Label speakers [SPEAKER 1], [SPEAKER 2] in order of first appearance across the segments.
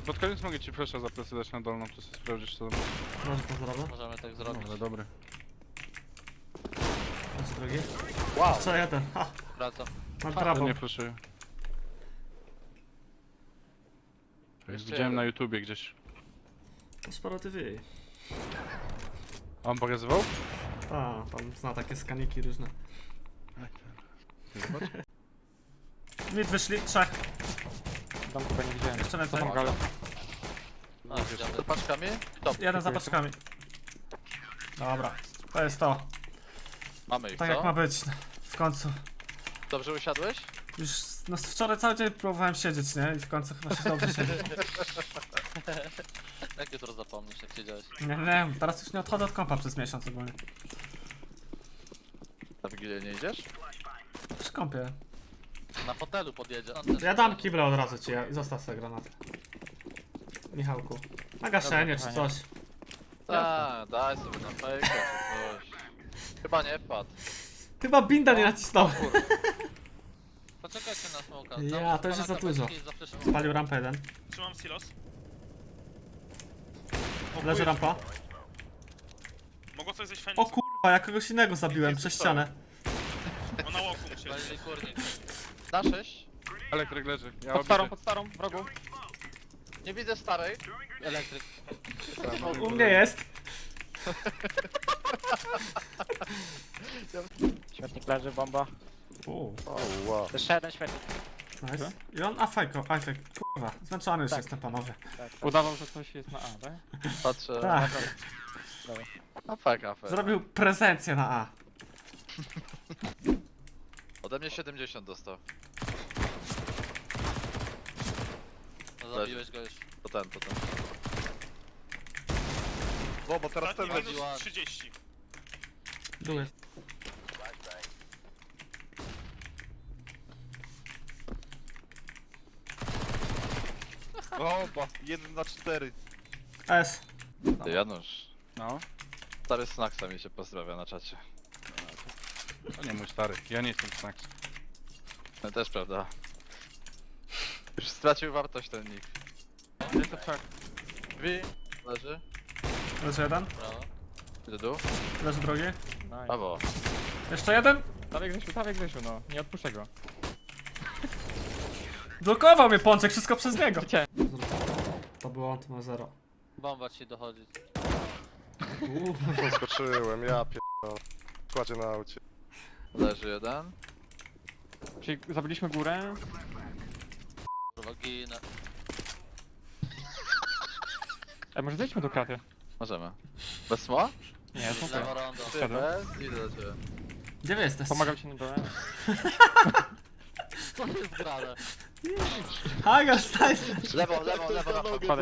[SPEAKER 1] Pod koniec mogę ci flasha za plecy dać na dolną, to sobie sprawdzisz co.
[SPEAKER 2] Może to zrobię?
[SPEAKER 3] Możemy tak zrobić.
[SPEAKER 1] Dobra, dobry.
[SPEAKER 2] Chodź drugi.
[SPEAKER 3] Wow.
[SPEAKER 2] Jeszcze jeden. Ha!
[SPEAKER 3] Wracam.
[SPEAKER 2] Mam
[SPEAKER 1] To
[SPEAKER 2] prawo.
[SPEAKER 1] nie flashuję.
[SPEAKER 3] Jeszcze
[SPEAKER 1] Widziałem
[SPEAKER 3] jeden.
[SPEAKER 1] na YouTubie gdzieś.
[SPEAKER 2] To sporo TV.
[SPEAKER 1] A on pokazywał?
[SPEAKER 2] A, pan zna takie skaniki różne. Mid wyszli, trzech.
[SPEAKER 4] Tam chyba nie widziałem.
[SPEAKER 2] Jeszcze więcej.
[SPEAKER 4] Tam galę.
[SPEAKER 3] A, widziałem. Z paczkami? Top.
[SPEAKER 2] Jeden za paczkami. Dobra, to jest to.
[SPEAKER 3] Mamy ich,
[SPEAKER 2] Tak
[SPEAKER 3] co?
[SPEAKER 2] jak ma być. W końcu.
[SPEAKER 3] Dobrze usiadłeś?
[SPEAKER 2] Już no, wczoraj cały dzień próbowałem siedzieć, nie? I w końcu chyba się dobrze siedzi.
[SPEAKER 3] Jak jutro zapomnisz, jak siedziałeś?
[SPEAKER 2] Nie wiem, teraz już nie odchodzę od kompa przez miesiąc ogólnie.
[SPEAKER 3] Na Wigilię nie idziesz?
[SPEAKER 2] Przy kompie.
[SPEAKER 3] Na fotelu podjedzie.
[SPEAKER 2] Ja dam kible od razu ci i zostaw sobie granat. Michałku. Na gaszenie czy coś.
[SPEAKER 3] Tak, daj sobie na fejka czy coś. Chyba nie wpadł.
[SPEAKER 2] Chyba binda nie nacisnął.
[SPEAKER 3] Poczekajcie na smoka.
[SPEAKER 2] Ja, to już jest za dużo. Spalił rampę jeden.
[SPEAKER 5] Trzymam silos.
[SPEAKER 2] Leży rampa.
[SPEAKER 5] Mogło coś zejść
[SPEAKER 2] O
[SPEAKER 5] Feniks?
[SPEAKER 2] kurwa, ja kogoś innego zabiłem przez ścianę.
[SPEAKER 5] Bo na łoku musieli.
[SPEAKER 3] Spalili kurnik. Na 6.
[SPEAKER 1] Elektryk leży. Ja
[SPEAKER 4] Pod starą, w rogu.
[SPEAKER 3] Nie widzę starej. Elektryk.
[SPEAKER 2] U mnie jest.
[SPEAKER 4] Śmietnik leży, bomba.
[SPEAKER 2] Uuu,
[SPEAKER 4] Jeszcze jeden śmietnik.
[SPEAKER 2] nice. I on afajko, afajk. Kurwa, zmęczony już jestem panowie.
[SPEAKER 4] Udawał, że coś jest na A, tak?
[SPEAKER 3] Patrzę.
[SPEAKER 2] Tak,
[SPEAKER 3] A fajk, a fajk.
[SPEAKER 2] zrobił prezencję na A.
[SPEAKER 3] Ode mnie 70 dostał. No zabiłeś go już. To ten.
[SPEAKER 5] Bo teraz ten
[SPEAKER 3] będzie.
[SPEAKER 5] minus 30.
[SPEAKER 2] Dół jest.
[SPEAKER 6] Bomba, 1 na 4.
[SPEAKER 2] S.
[SPEAKER 3] Ty Janusz.
[SPEAKER 1] No,
[SPEAKER 3] Stary Snacksa mi się pozdrawia na czacie.
[SPEAKER 1] to nie mój stary. Ja nie jestem snacks.
[SPEAKER 3] No też prawda. Już stracił wartość ten nick.
[SPEAKER 4] Jest to wszak.
[SPEAKER 3] Drzwi. Leży.
[SPEAKER 2] Leży jeden.
[SPEAKER 3] Brawo. Idę dół.
[SPEAKER 2] Leży drugi.
[SPEAKER 4] Nice.
[SPEAKER 3] Brawo.
[SPEAKER 2] Jeszcze jeden.
[SPEAKER 4] Dawaj Grzesiu, no. Nie odpuszczę go.
[SPEAKER 2] Blokował mnie Pączek, wszystko przez niego.
[SPEAKER 4] Cię.
[SPEAKER 2] To było on, to ma 0.
[SPEAKER 3] Bomba ci dochodzi.
[SPEAKER 6] Skoczyłem, ja pierdolę. Kładzie na aucie.
[SPEAKER 3] Leży jeden.
[SPEAKER 4] Czyli zabiliśmy górę.
[SPEAKER 3] Kurwa ginę.
[SPEAKER 4] Może zejdźmy do kraty.
[SPEAKER 3] Możemy. Bez sma?
[SPEAKER 4] Nie, to
[SPEAKER 3] Lewo rondo.
[SPEAKER 4] Wszedłem.
[SPEAKER 3] Bez? Idę do ciebie.
[SPEAKER 2] Gdzie wy jesteście?
[SPEAKER 4] Pomagam ci na dole.
[SPEAKER 3] Co jest grane?
[SPEAKER 2] Haga, stań!
[SPEAKER 3] Lewo na
[SPEAKER 4] Kładę.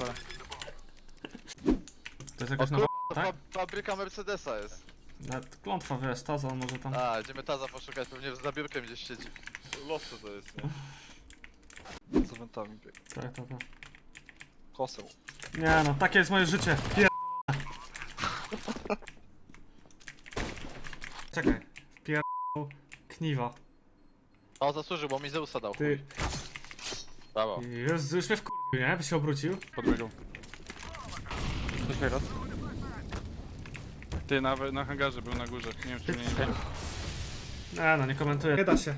[SPEAKER 2] To jest jakaś
[SPEAKER 3] O
[SPEAKER 2] nowa,
[SPEAKER 3] To
[SPEAKER 2] tak?
[SPEAKER 3] fabryka Mercedesa jest.
[SPEAKER 2] Nawet klątwa, wiesz, to za może tam...
[SPEAKER 3] A, idziemy Taza poszukać, pewnie za biurkiem gdzieś siedzi.
[SPEAKER 6] Losy to jest, nie? Za wentami bieg.
[SPEAKER 2] Tak.
[SPEAKER 6] Koseł.
[SPEAKER 2] Nie no, takie jest moje życie. Czekaj. Kniwa.
[SPEAKER 3] O, zasłużył, bo mi Zeusa dał.
[SPEAKER 2] Ty.
[SPEAKER 3] Brawo.
[SPEAKER 2] Jezu, już mnie wkurwił, nie? By się obrócił.
[SPEAKER 1] Podbiegał.
[SPEAKER 4] Coś wyrost.
[SPEAKER 1] Ty na hangarze był na górze. Nie wiem czy mnie nie wiem.
[SPEAKER 2] Nie no, nie komentuję. Nie da się.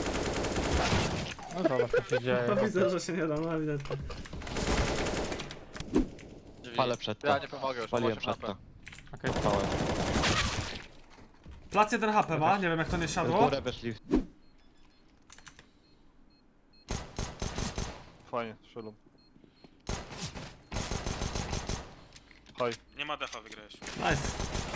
[SPEAKER 4] No zobacz, co się dzieje.
[SPEAKER 2] No widzę, że się nie da, no ewidentnie.
[SPEAKER 3] Drzwi.
[SPEAKER 6] Palę przed to.
[SPEAKER 3] Ja nie pomogę już,
[SPEAKER 6] Paliłem
[SPEAKER 3] mam 8
[SPEAKER 6] przed to.
[SPEAKER 3] HP.
[SPEAKER 4] Okej.
[SPEAKER 6] Pałem.
[SPEAKER 2] Plac 1 HP ma, nie wiem jak to nie
[SPEAKER 6] W
[SPEAKER 2] siadło.
[SPEAKER 6] górę weszli. Fajnie, strzelam. Hoj.
[SPEAKER 5] Nie ma defa, wygrałeś.
[SPEAKER 2] Nice.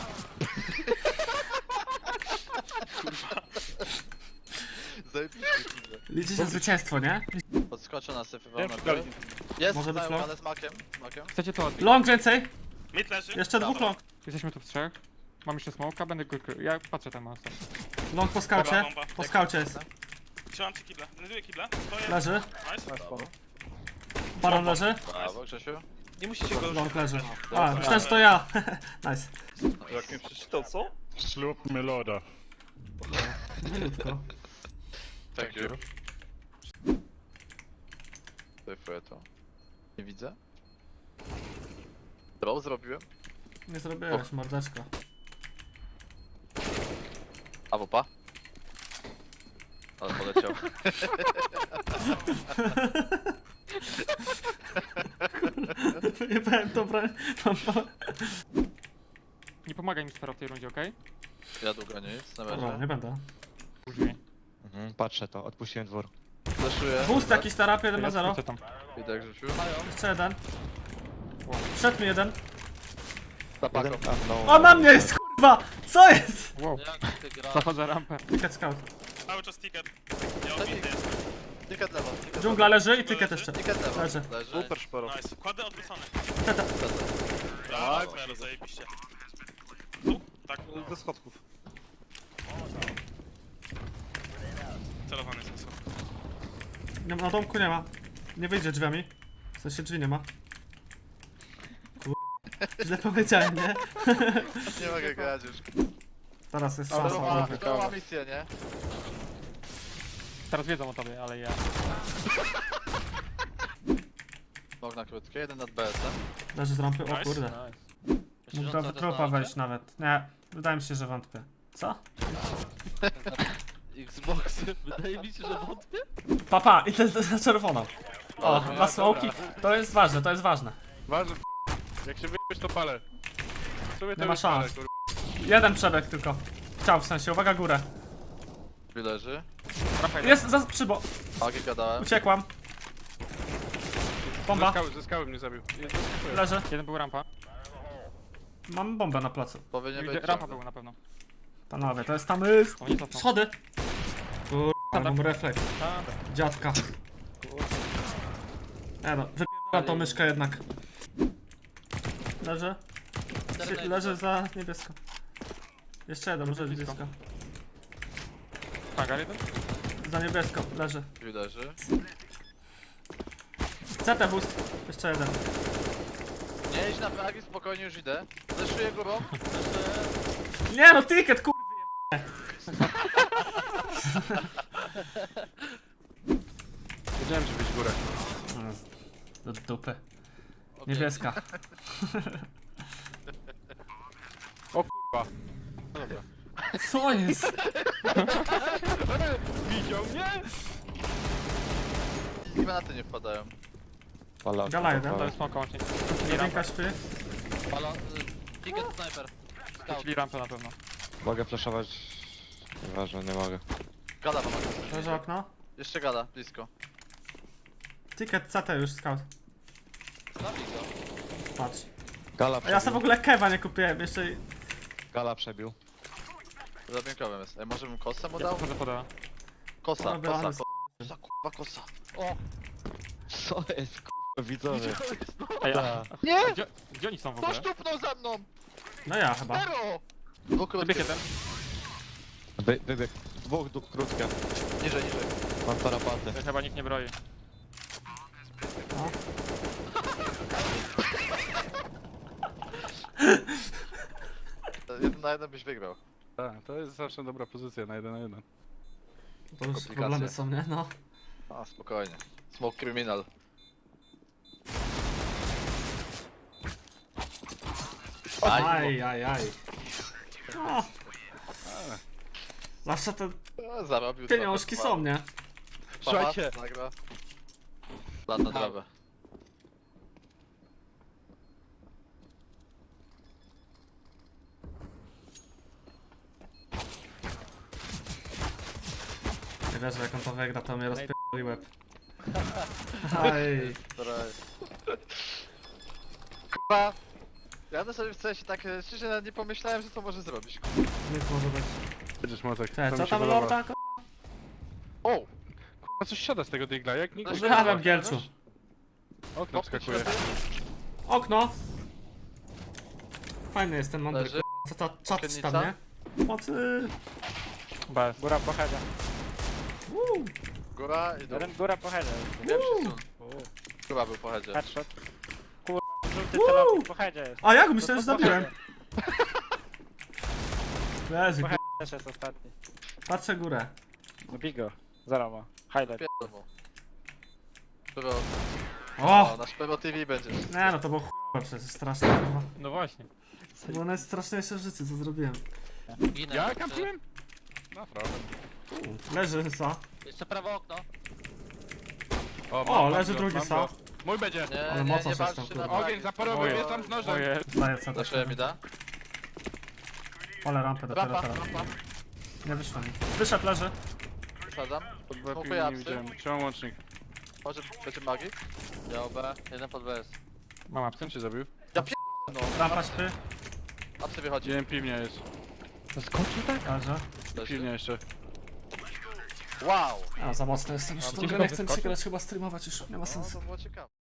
[SPEAKER 3] Zajebiście, kurde.
[SPEAKER 2] Liczy się zwycięstwo, nie?
[SPEAKER 3] Podskoczę na syfy
[SPEAKER 6] Wiem,
[SPEAKER 3] wam
[SPEAKER 6] gali.
[SPEAKER 3] Jest,
[SPEAKER 2] Może być long?
[SPEAKER 3] ale z makiem.
[SPEAKER 4] Chcecie to odbić?
[SPEAKER 2] Long więcej.
[SPEAKER 5] Mid leży.
[SPEAKER 2] Jeszcze dwóch long.
[SPEAKER 4] Jesteśmy tu w trzech. Mam jeszcze smoka, będę go... Ja patrzę tam mocno.
[SPEAKER 2] Long po skaucie.
[SPEAKER 5] Bomba.
[SPEAKER 2] Po skaucie jest.
[SPEAKER 5] Trzymam ci kibla. Znajduję kibla. Stoję.
[SPEAKER 2] Leży.
[SPEAKER 5] Nice.
[SPEAKER 2] Baron leży.
[SPEAKER 3] Brawo, Grzesiu.
[SPEAKER 5] Nie musicie go
[SPEAKER 2] Long leży. A, myślałem, że to ja. Nice.
[SPEAKER 6] Jak mnie przeczytał, co?
[SPEAKER 7] Slurp med låda.
[SPEAKER 2] Milutko.
[SPEAKER 3] Thank you. Syfuję to. Nie widzę. Draw zrobiłem.
[SPEAKER 2] Nie zrobiłeś, mordeczko.
[SPEAKER 3] A wopa. Ale poleciał.
[SPEAKER 2] Nie powiem, dobra.
[SPEAKER 4] Nie pomagaj mi Sfero w tej rundzie, okej?
[SPEAKER 3] Ja długo nie jest, na
[SPEAKER 2] Dobra,
[SPEAKER 3] razie.
[SPEAKER 2] nie będę.
[SPEAKER 4] Drzwi.
[SPEAKER 6] Patrzę to, odpuściłem dwór.
[SPEAKER 3] Flashuję.
[SPEAKER 2] Boost jakiś tarap, 1 na
[SPEAKER 4] Ja
[SPEAKER 2] 0.
[SPEAKER 4] skrócę tam.
[SPEAKER 3] Widać rzucił.
[SPEAKER 2] Jeszcze jeden. Wszedł mi jeden.
[SPEAKER 3] Za paką.
[SPEAKER 2] O, na mnie jest, kurwa! Co jest?
[SPEAKER 4] Wow,
[SPEAKER 3] Jak ty grasz?
[SPEAKER 4] zachodzę rampę.
[SPEAKER 2] Ticket scout.
[SPEAKER 5] Cały czas ticket. Ja obity jestem.
[SPEAKER 3] Ticket lewo. ticket
[SPEAKER 2] Dżungla
[SPEAKER 3] lewo.
[SPEAKER 2] leży i ticket jeszcze.
[SPEAKER 3] Ticket lewo.
[SPEAKER 2] Leży.
[SPEAKER 3] Leży.
[SPEAKER 6] Super szporo.
[SPEAKER 5] Nice. Kładę odwrócony.
[SPEAKER 2] Teta.
[SPEAKER 5] Brawo, Fero, zajebiście. Tu? Tak.
[SPEAKER 6] Ze schodków.
[SPEAKER 5] Celowany jest wysoko.
[SPEAKER 2] Nie, na domku nie ma. Nie wyjdzie drzwiami. W sensie drzwi nie ma. Kurwa. Źle powiedziałem, nie?
[SPEAKER 3] Nie mogę grać już.
[SPEAKER 2] Teraz jest
[SPEAKER 3] To
[SPEAKER 2] szansa.
[SPEAKER 3] ma,
[SPEAKER 2] dobra.
[SPEAKER 3] to ma misję, nie?
[SPEAKER 4] Teraz wiedzą o tobie, ale ja...
[SPEAKER 3] Nog na krótkie, jeden nad BS-em.
[SPEAKER 2] Leży z rampy, o
[SPEAKER 5] Nice.
[SPEAKER 2] kurde. Mógł do tropa wejść nawet. Nie, wydaje mi się, że wątpię. Co?
[SPEAKER 3] Xbox, wydaje mi się, że wątpię.
[SPEAKER 2] Papa, i to jest na czerwono. O,
[SPEAKER 3] Dobra,
[SPEAKER 2] dwa smoki. To jest ważne, to jest ważne.
[SPEAKER 1] Ważne. Jak się wyjebiesz, to palę. Sobie to
[SPEAKER 2] Nie ma
[SPEAKER 1] już palę,
[SPEAKER 2] szans.
[SPEAKER 1] kurwa.
[SPEAKER 2] Jeden przebieg tylko. Chciał w sensie, uwaga górę.
[SPEAKER 3] Drzwi leży.
[SPEAKER 4] Rampa jeden.
[SPEAKER 2] Jest za przybo.
[SPEAKER 3] Agi gadałem.
[SPEAKER 2] Uciekłam. Bomba.
[SPEAKER 1] Ze skały mnie zabił.
[SPEAKER 2] Leży.
[SPEAKER 4] Jeden był rampa.
[SPEAKER 2] Mam bombę na placu.
[SPEAKER 3] Powinien być
[SPEAKER 4] Rampa
[SPEAKER 3] ciągle.
[SPEAKER 4] był na pewno.
[SPEAKER 2] Panowie, to jest tam...
[SPEAKER 4] Oni cofną.
[SPEAKER 2] Schody. Kurwa, mam refleks.
[SPEAKER 4] Tak.
[SPEAKER 2] Dziadka. Nie no, wypierdalam tą myszkę jednak. Leży. Leży za niebiesko. Jeszcze jeden, może być blisko.
[SPEAKER 4] Tak, ale jeden?
[SPEAKER 2] Za niebiesko, leży.
[SPEAKER 3] Drzwi leży.
[SPEAKER 2] CT boost. Jeszcze jeden.
[SPEAKER 3] Nie idź na fragi, spokojnie już idę. Zeszuję górą.
[SPEAKER 2] Nie no, ticket, kurwa.
[SPEAKER 1] Wiedziałem, że być górę.
[SPEAKER 2] Do dupy. Niebieska.
[SPEAKER 1] O kurwa. No dobra.
[SPEAKER 2] Co jest?
[SPEAKER 1] Widział mnie?
[SPEAKER 3] Granaty nie wpadają.
[SPEAKER 2] Gala jeden.
[SPEAKER 4] To jest smoka łącznie.
[SPEAKER 2] Jedynka śpi.
[SPEAKER 3] Ticket sniper. Scout.
[SPEAKER 4] Czyli rampę na pewno.
[SPEAKER 6] Mogę flashować? Nieważne, nie mogę.
[SPEAKER 3] Gada pomaga.
[SPEAKER 2] Leży okno.
[SPEAKER 3] Jeszcze gada, blisko.
[SPEAKER 2] Ticket CT już, scout.
[SPEAKER 3] Zabij go.
[SPEAKER 2] Patrz.
[SPEAKER 6] Gala
[SPEAKER 2] A ja
[SPEAKER 6] przebił.
[SPEAKER 2] sobie w ogóle kewa nie kupiłem, jeszcze i...
[SPEAKER 6] Gala przebił.
[SPEAKER 3] Za piękowym jest. Ej, może bym kosę mu
[SPEAKER 4] Ja
[SPEAKER 3] dał?
[SPEAKER 4] podchodzę podała.
[SPEAKER 3] Kosa,
[SPEAKER 2] Dobra,
[SPEAKER 3] kosa,
[SPEAKER 2] ale
[SPEAKER 3] kosa, kurwa kosa. O!
[SPEAKER 6] Co jest kurwa widzowie?
[SPEAKER 4] Ej,
[SPEAKER 6] Ta.
[SPEAKER 3] Nie!
[SPEAKER 4] gdzie oni są w
[SPEAKER 3] Kto
[SPEAKER 4] ogóle?
[SPEAKER 3] sztupnął ze mną?
[SPEAKER 2] No ja chyba.
[SPEAKER 3] Zero! Dwóch
[SPEAKER 4] Wybieg
[SPEAKER 3] krótkich.
[SPEAKER 4] jeden.
[SPEAKER 6] Wybieg. Dwóch krótkie.
[SPEAKER 3] Niżej, niżej.
[SPEAKER 6] Mam tarapaty.
[SPEAKER 4] Ja chyba nikt nie broi.
[SPEAKER 2] No.
[SPEAKER 3] Jeden na jeden byś wygrał.
[SPEAKER 1] Tak, to jest zawsze dobra pozycja na 1 na 1.
[SPEAKER 2] To już
[SPEAKER 3] Komplikacje.
[SPEAKER 2] problemy są, nie? No.
[SPEAKER 3] A, spokojnie. Smoke criminal.
[SPEAKER 2] Aj. No. Zawsze te
[SPEAKER 3] Zarobił
[SPEAKER 2] pieniążki
[SPEAKER 3] trochę.
[SPEAKER 2] są, nie?
[SPEAKER 6] Słuchajcie.
[SPEAKER 3] Zagra. Lat na trawę.
[SPEAKER 2] Nie wierzę, jak on to wygra, to mnie rozpierdoli łeb. Aj.
[SPEAKER 3] Która... Kurwa. Ja na sobie w sensie tak szczerze nawet nie pomyślałem, że to może zrobić.
[SPEAKER 2] Nic może być.
[SPEAKER 1] Będziesz mocek.
[SPEAKER 2] Cześć,
[SPEAKER 1] To
[SPEAKER 2] co
[SPEAKER 1] mi się
[SPEAKER 2] tam
[SPEAKER 1] podoba.
[SPEAKER 2] lorda?
[SPEAKER 3] O!
[SPEAKER 1] Kurwa, coś siada z tego digla, jak nikt...
[SPEAKER 2] Pozdrawiam, Gielczu.
[SPEAKER 1] Okno wskakuje.
[SPEAKER 2] Okno. Fajny jest ten mądry,
[SPEAKER 3] Leży.
[SPEAKER 2] kurwa. Co to czat
[SPEAKER 3] Okiennica?
[SPEAKER 2] tam, nie? Mocy.
[SPEAKER 4] Bez. Góra po headzie.
[SPEAKER 3] Góra i dół.
[SPEAKER 4] Góra po headzie.
[SPEAKER 3] Pierwszy sun. Chyba był po headzie.
[SPEAKER 4] Headshot. Kurwa, żółty
[SPEAKER 2] Woo!
[SPEAKER 4] celownik po headzie jest.
[SPEAKER 2] A jak? Myślałem, że zabiłem. Leży,
[SPEAKER 4] Po
[SPEAKER 2] kurwa.
[SPEAKER 4] headzie też jest ostatni.
[SPEAKER 2] Patrzę górę.
[SPEAKER 4] Bigo. Zarowa. Highlight.
[SPEAKER 3] Pierdolą. Było
[SPEAKER 2] O!
[SPEAKER 3] Nasz Pebo TV będzie.
[SPEAKER 2] Nie no, to było chujowe przecież, straszne kurwa.
[SPEAKER 4] No właśnie.
[SPEAKER 2] To było najstraszniejsze w życiu, co zrobiłem.
[SPEAKER 7] Ginę.
[SPEAKER 1] Ja kampiłem? Naprawdę.
[SPEAKER 2] Leży sa.
[SPEAKER 7] Jeszcze prawe okno.
[SPEAKER 2] O, leży drugi
[SPEAKER 1] mam
[SPEAKER 2] sa.
[SPEAKER 1] go. Mój będzie.
[SPEAKER 3] Nie,
[SPEAKER 2] Ale
[SPEAKER 3] nie,
[SPEAKER 2] mocno
[SPEAKER 3] nie
[SPEAKER 2] się
[SPEAKER 3] walczcie
[SPEAKER 2] stąd,
[SPEAKER 3] na
[SPEAKER 2] kurwa.
[SPEAKER 3] flagi.
[SPEAKER 1] Ogień zaporowy,
[SPEAKER 4] Moje.
[SPEAKER 1] jest tam z nożem.
[SPEAKER 4] Moje.
[SPEAKER 2] Daję co
[SPEAKER 3] Zaszyłem mi da.
[SPEAKER 2] Ale rampę dopiero
[SPEAKER 3] Rampa,
[SPEAKER 2] teraz.
[SPEAKER 3] rampa.
[SPEAKER 2] Nie wyszło mi. Wyszedł, leży.
[SPEAKER 3] Wysadzam.
[SPEAKER 1] Pod B
[SPEAKER 3] Smokuję
[SPEAKER 1] pilnie nie
[SPEAKER 3] apsy.
[SPEAKER 1] widziałem. Trzymam łącznik.
[SPEAKER 3] Może będzie magii? Ja OB, jeden pod BS.
[SPEAKER 4] Mam absent.
[SPEAKER 1] Kto cię zabił?
[SPEAKER 3] Ja pier... no.
[SPEAKER 2] Rampa śpy.
[SPEAKER 3] Apsy wychodzi.
[SPEAKER 1] Dzień piwnia jest.
[SPEAKER 4] Skoczył tak?
[SPEAKER 2] Leży.
[SPEAKER 1] Piwnia jeszcze.
[SPEAKER 3] Wow!
[SPEAKER 2] A, za mocno jestem już.
[SPEAKER 3] A,
[SPEAKER 2] w tą
[SPEAKER 3] to
[SPEAKER 2] grę,
[SPEAKER 4] ciekawe,
[SPEAKER 2] nie chcę mi się
[SPEAKER 4] skoczył?
[SPEAKER 2] grać, chyba streamować już. Nie ma
[SPEAKER 3] No,
[SPEAKER 2] sensu.
[SPEAKER 3] to było ciekawe.